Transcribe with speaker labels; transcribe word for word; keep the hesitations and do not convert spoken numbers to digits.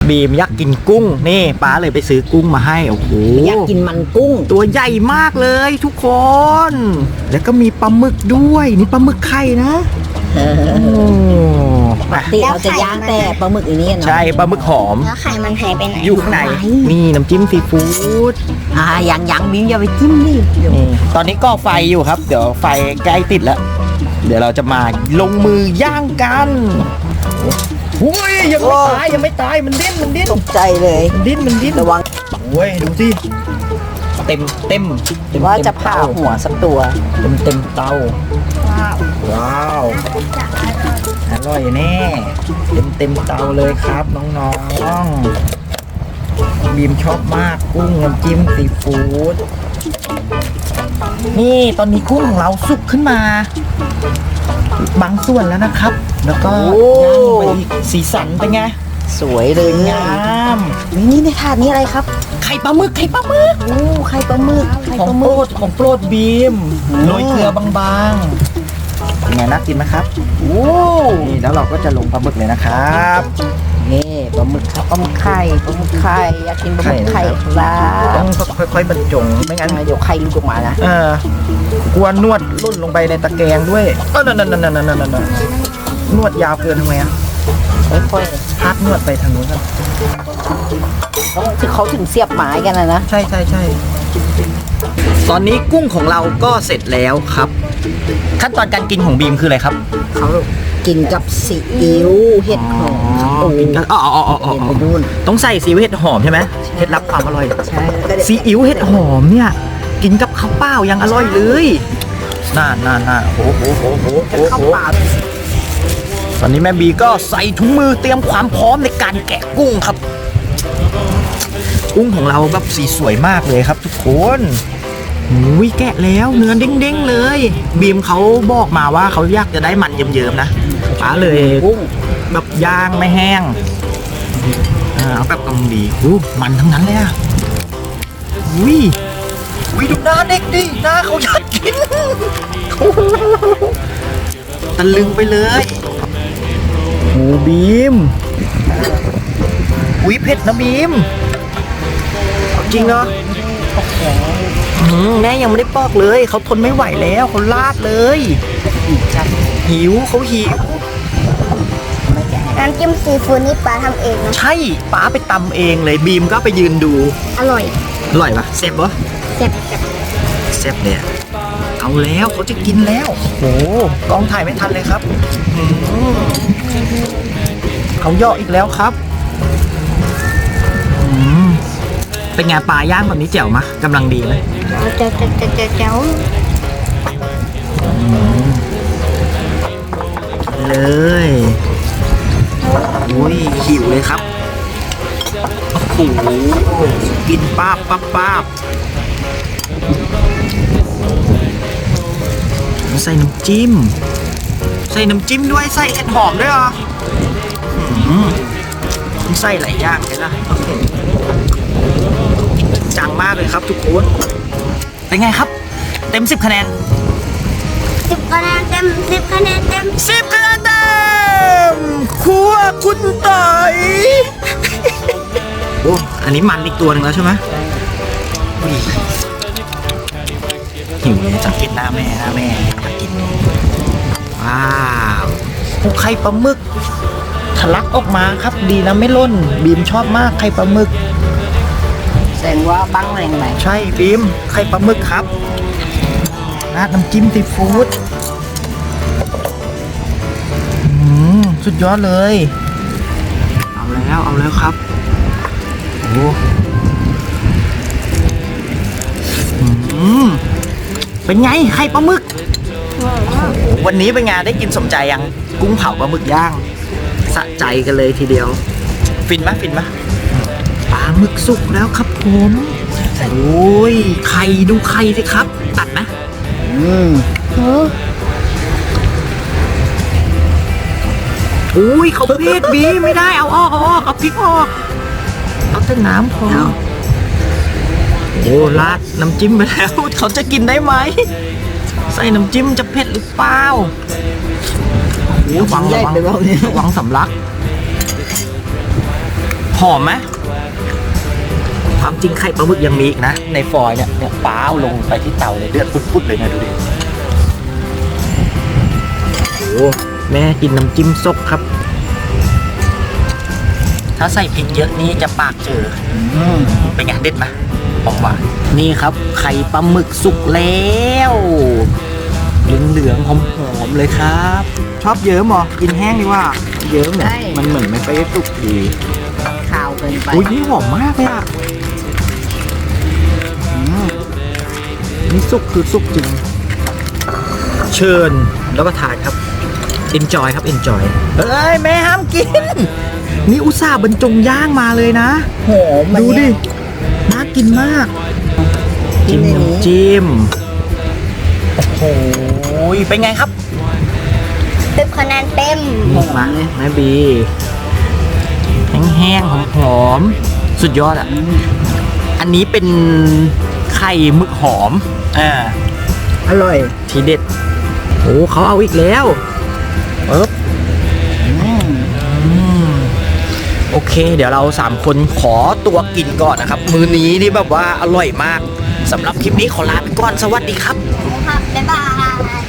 Speaker 1: บีมอยากกินกุ้งนี่ป้าเลยไปซื้อกุ้งมาให้โอ้โห
Speaker 2: อยากกินมันกุ้ง
Speaker 1: ตัวใหญ่มากเลยทุกคนแล้วก็มีปลาหมึกด้วยนี่ปลาหมึกไข่นะโอ้
Speaker 2: ปกติเราจะย่างแต่ปลาหมึกอันนี้เนาะ
Speaker 1: ใช่ปลาหมึกหอม
Speaker 3: แล้วไข่มันหายไปไหน
Speaker 1: อยู่ข้างในนี่น้ำจิ้มซีฟู้ด
Speaker 2: อ่ายังยังบิ้มอย่าไปจิ้มดิเดี๋ยว
Speaker 1: นี่ตอนนี้ก็ไฟอยู่ครับเดี๋ยวไฟใกล้ติดแล้วเดี๋ยวเราจะมาลงมือย่างกันโอ้ยยังไม่ตายยังไม่ตายมันดิ้นมันดิ้น
Speaker 2: ตกใจเลย
Speaker 1: มันดิ้นมันดิ้น
Speaker 2: ระวัง
Speaker 1: โอ้ยดูสิเต็มเต็มเต็ม
Speaker 2: ว่าจะผ่าหัวสักตัว
Speaker 1: เต็มเต็มเตา
Speaker 3: ว้าว
Speaker 1: ว้าวอร่อยแน่เต็มเต็มเตาเลยครับน้องๆบีมชอบมากกุ้งน้ำจิ้มซีฟู้ดนี่ตอนนี้กุ้งของเราสุกขึ้นมาบางส่วนแล้วนะครับ แล้วก็ย่างไปอีกสีสันเป็นไง
Speaker 2: สวยเลย
Speaker 1: งาม
Speaker 2: นี่นี่ในถาดนี้อะไรครับ
Speaker 1: ไข่ปลาหมึกไข่ปลาหมึก
Speaker 2: โอ้ไข่ปลาหมึกไข่
Speaker 1: ของ
Speaker 2: ปลาห
Speaker 1: โปร
Speaker 2: มึก
Speaker 1: ดของโปรดบีมโรยเกลือบางๆเป็นไงน่ากินไหมครับโอ้นี่แล้วเราก็จะลงปลาหมึกเลยนะครับ
Speaker 2: นี่ปลาหมึกครับปลาหมึกไข่ปลาหมึกไข่อยากกินปลาหมึกไข่ครับ
Speaker 1: ต้องค่อยๆบรรจงไม่งั้น
Speaker 2: เดี๋ยวไข่หลุดออกมานะ
Speaker 1: เออกลัวนวดลุ่นลงไปในตะแกรงด้วยเออนั่นนั่นนั่นนั่นนั่นนั่นนวดยาวเกินทำไมอ่ะ
Speaker 2: ค่อย
Speaker 1: พักนวดไปทางนู้นกัน
Speaker 2: ๆต้องถึงเขาถึงเสียบไม้กันนะนะ
Speaker 1: ใช่ใช่ใช่ตอนนี้กุ้งของเราก็เสร็จแล้วครับ ขั้นตอนการกินของบีมคืออะไรครับ
Speaker 2: เขากินกับซีอิ๊วเห็ดหอมโอ้
Speaker 1: กินกันอ๋ออ๋ออ๋ออ๋อ
Speaker 2: เห็นไปนู่น
Speaker 1: ต้องใส่ซีอิ๊วเห็ดหอมใช่ไหมเคล็ดลับความอร่อย
Speaker 2: ใช่แล้วก็เดี๋ยว
Speaker 1: ซีอิ๊วเห็ดหอมเนี่ยกินกับข้าวเปล่ายังอร่อยเลยน่าน่าน่าโอ้โหโอ้โหโอ้โห
Speaker 2: ข้าวเปล่า
Speaker 1: ตอนนี้แม่บีก็ใส่ถุงมือเตรียมความพร้อมในการแกะกุ้งครับ กุ้งของเราแบบสีสวยมากเลยครับทุกคนอุ้ยแกะแล้วเนื้อเด้งๆเลย บีมเขาบอกมาว่าเขาอยากจะได้มันเยิ้มๆนะป้าเลย
Speaker 2: กุ้ง
Speaker 1: แบบย่างไม่แห้งอ่าเอาแบบกำลังดีอู้มันทั้งนั้นเลยอ่ะอุ้ยอุ้ยดูหน้าเด็กดิหน้าเขาอยากกิน ตะลึงไปเลยโอ้บีมอุ้ยเผ็ดนะบีมเอาจริงเนาะอืมแม่ยังไม่ได้ปอกเลยเขาทนไม่ไหวแล้วเขาลาดเลยหิวเขาหิว
Speaker 3: น้ำจิ้มซีฟู้ดนี่ปลาทำเองนะ
Speaker 1: ใช่ป้าไปตำเองเลยบีมก็ไปยืนดู
Speaker 3: อร่อย
Speaker 1: อร่อยปะเซฟปะ
Speaker 3: แซ่บแซ่บ
Speaker 1: เซฟเนี่ยเอาแล้วเขาจะกินแล้วโอ้กล้องถ่ายไม่ทันเลยครับอืมเขาย่ออีกแล้วครับอืมเป็นไงปลาย่างแบบนี้แจ๋วมะกำลังดีไหม
Speaker 3: เจ้าเจ้าเจ้าเจ้าเจ้า
Speaker 1: เลยอุ้ยหิวเลยครับโอ้โหกินป้าบป้าบป้าบใส่น้ำจิ้มใส่น้ำจิ้มด้วยใส่เห็ดหอมด้วยเหรออืมใส่หลายอย่างเลยนะจังมากเลยครับทุกคนเป็นไงครับ เต็มสิบคะแนน
Speaker 3: สิบคะแนนเต็มสิบคะแนนเต็ม
Speaker 1: สิบคะแนนเต็มครัวคุณต่อยโอ้อันนี้มันอีกตัวหนึ่งแล้วใช่ไหมอุ้ยหิวเลยสังเกตหน้าแม่หน้าแม่อยากกินว้าวโอ้ไข่ปลาหมึกทะลักออกมาครับดีนะไม่ล่นบีมชอบมากไข่ปลาหมึก
Speaker 2: แสดงว่าบ้างแรงไหน
Speaker 1: ใช่บีมไข่ปลาหมึกครับราดน้ำจิ้มซีฟู้ดอืมสุดยอดเลย เอาแล้วเอาแล้วครับโอ้อืมเป็นไงไข่ปลาหมึกวันนี้เป็นไงได้กินสมใจยังกุ้งเผาปลาหมึกย่างสะใจกันเลยทีเดียว ฟินไหมฟินไหมปลาหมึกสุกแล้วครับผมโอ้ยไข่ดูไข่สิครับ ตัดนะ
Speaker 2: อืม
Speaker 1: อุ้ยเขาเพศบีไม่ได้เอาออกเอาออกเอาพริกออกเอาแต่น้ำพอโอ้ราดน้ำจิ้มไปแล้ว เขาจะกินได้ไหมใส่น้ำจิ้มจะเผ็ดหรือเปล่าโอ้หวัง
Speaker 2: ใหญ่
Speaker 1: ระวัง
Speaker 2: ไปเปล่าเนี่ย
Speaker 1: ระวังสำลัก พหอมไหมความจริงไข่ปลาหมึกยังมีอีกนะ ในฟอยล์เนี่ยเนี่ยป้าวลงไปที่เตาเลยเลือดพุดๆเลยนะดูดิโอ้แม่กินน้ำจิ้มซกครับ ถ้าใส่พริกเยอะนี่จะปากเจออืมเป็นไงเด็ดไหมหอมหวานนี่ครับไข่ปลาหมึกสุกแล้วเหลืองๆหอมๆเลยครับ ชอบเยิ้มเหรอกินแห้งดีกว่าเยิ้มเนี่ยมันเหมือนไม่ค่อยสุกดี
Speaker 2: ข้าวเกินไป
Speaker 1: อุ้ยนี่หอมมากเลยอ่ะอืมนี่สุกคือสุกจริง เชิญแล้วก็ทานครับ enjoy ครับ enjoy เฮ้ย แม่ห้ามกิน นี่อุตส่าห์บรรจงย่างมาเลยนะ
Speaker 2: หอมมัน
Speaker 1: ดูดิ
Speaker 2: เนี่ย
Speaker 1: น่ากินมาก
Speaker 2: จิ้
Speaker 1: จิ้ม
Speaker 2: มในนี้
Speaker 1: น้ำจิ้ม โอ้โหเป็นไงครับ
Speaker 3: สิบคะแนนเต็ม
Speaker 1: นี่มาแม่บี แห้งๆหอมๆสุดยอดอ่ะ อันนี้เป็นไข่หมึกหอม อ่า
Speaker 2: อร่อย
Speaker 1: ทีเด็ด โอ้เขาเอาอีกแล้วปึ๊บ
Speaker 2: อืม
Speaker 1: อืมโอเค เดี๋ยวเราสามคนขอตัวกินก่อนนะครับ มื้อนี้นี่แบบว่าอร่อยมากสำหรับคลิปนี้ขอลาไปก่อน สวัสดีครับ
Speaker 3: ครับ บ๊ายบาย